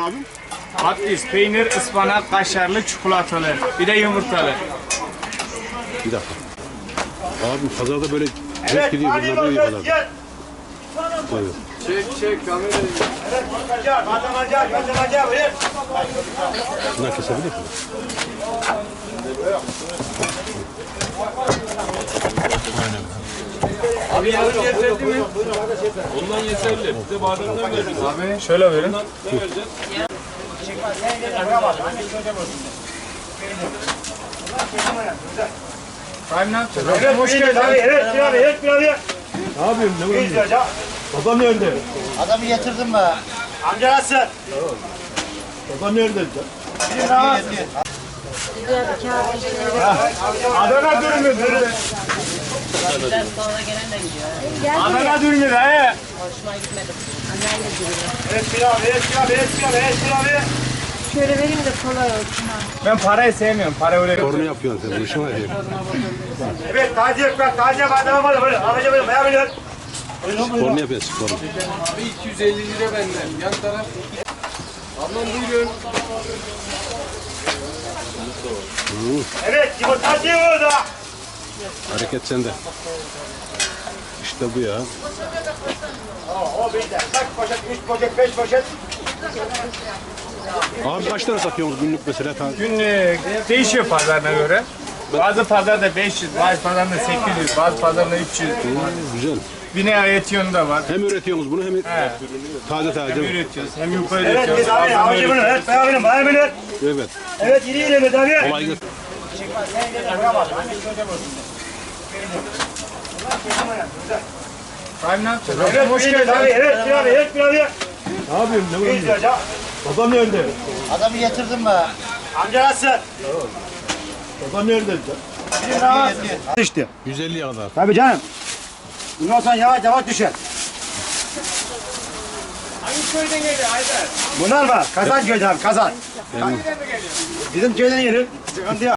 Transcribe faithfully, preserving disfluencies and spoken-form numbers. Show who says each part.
Speaker 1: abim?
Speaker 2: Patates, peynir, ıspanak, kaşarlı, çikolatalı. Bir de yumurtalı.
Speaker 1: Bir dakika. Abim pazarda böyle renk gidiyor. Bunlar da iyi pazarda. Evet.
Speaker 2: Çek çek kamerayı.
Speaker 1: Şundan kesebilir miyim?
Speaker 2: Abi yarın yeterli mi? Ondan yeterli. Bize bademden veririz. Abi şöyle verin. Ne vereceğiz? Abi ne yapacağız?
Speaker 3: Evet, hoş geldin abi. Evet, bir abi, evet, bir abi.
Speaker 1: Ne yapayım? Ne
Speaker 3: İyiyiz hocam.
Speaker 1: Babam nerede?
Speaker 4: Adamı getirdim be.
Speaker 3: Amca nasılsın?
Speaker 1: Babam nerede?
Speaker 3: Adana dürümü, dürümü.
Speaker 5: Biraz sonra gelen de gidiyor.
Speaker 3: Adana dürümü de he.
Speaker 5: Hoşuma gitmedi. Anneyle gidiyor.
Speaker 3: Evet, bir abi, evet, bir abi, evet, bir abi, evet, bir abi.
Speaker 5: Şöyle vereyim de kolay olsun ha.
Speaker 2: Ben parayı sevmiyorum. Para öyle.
Speaker 1: Korna yapıyorsun sen. Bu işin var ya.
Speaker 3: Evet, taze ekmek, taze badem var. Böyle, abici böyle, bayağı biliyor.
Speaker 1: Korna yapıyorsun. Korna.
Speaker 2: Abi iki yüz elli lira benden. Yan taraf. Ablam buyurun.
Speaker 3: Evet, yumurtacı orada.
Speaker 1: Hareket sende. İşte bu ya.
Speaker 3: O bir de. Kaç poşet, üç poşet, beş poşet.
Speaker 1: Abi kaç tane satıyorsunuz günlük mesela?
Speaker 2: Günlük değişiyor pazarına göre. Bazı pazarda beş yüz, bazı pazarda sekiz yüz, bazı pazarda üç yüz.
Speaker 1: Güzel.
Speaker 2: Bine etiyon da var.
Speaker 1: Hem üretiyorsunuz bunu hem taze taze.
Speaker 2: Hem üretiyoruz, hem yufka
Speaker 3: Evet,
Speaker 2: üretiyoruz.
Speaker 3: biz abi,
Speaker 2: bazılarını
Speaker 3: abici bunu,
Speaker 2: üretiyoruz.
Speaker 3: evet, bayağı biliyor, bayağı biliyor.
Speaker 1: Evet.
Speaker 3: Evet, yürü yürü, evet abi.
Speaker 1: Kolay gelsin.
Speaker 2: Abi ne yapacağız?
Speaker 3: Evet, hoş geldin abi. Evet, bir abi, evet, bir abi.
Speaker 1: Ne yapayım? Ne
Speaker 3: İyiyiz hocam.
Speaker 1: Babam nerede?
Speaker 4: Adamı getirdim be.
Speaker 3: Amca nasılsın?
Speaker 1: Babam nerede?
Speaker 3: İşte.
Speaker 1: yüz elliye kadar.
Speaker 3: Tabii canım. Bundan sonra yavaş yavaş düşer.
Speaker 2: Hangi köyden geliyor Aydar?
Speaker 3: Bunlar var. Kazan köyden abi, kazan. Bizim köyden gelir. Sıkıntı yok.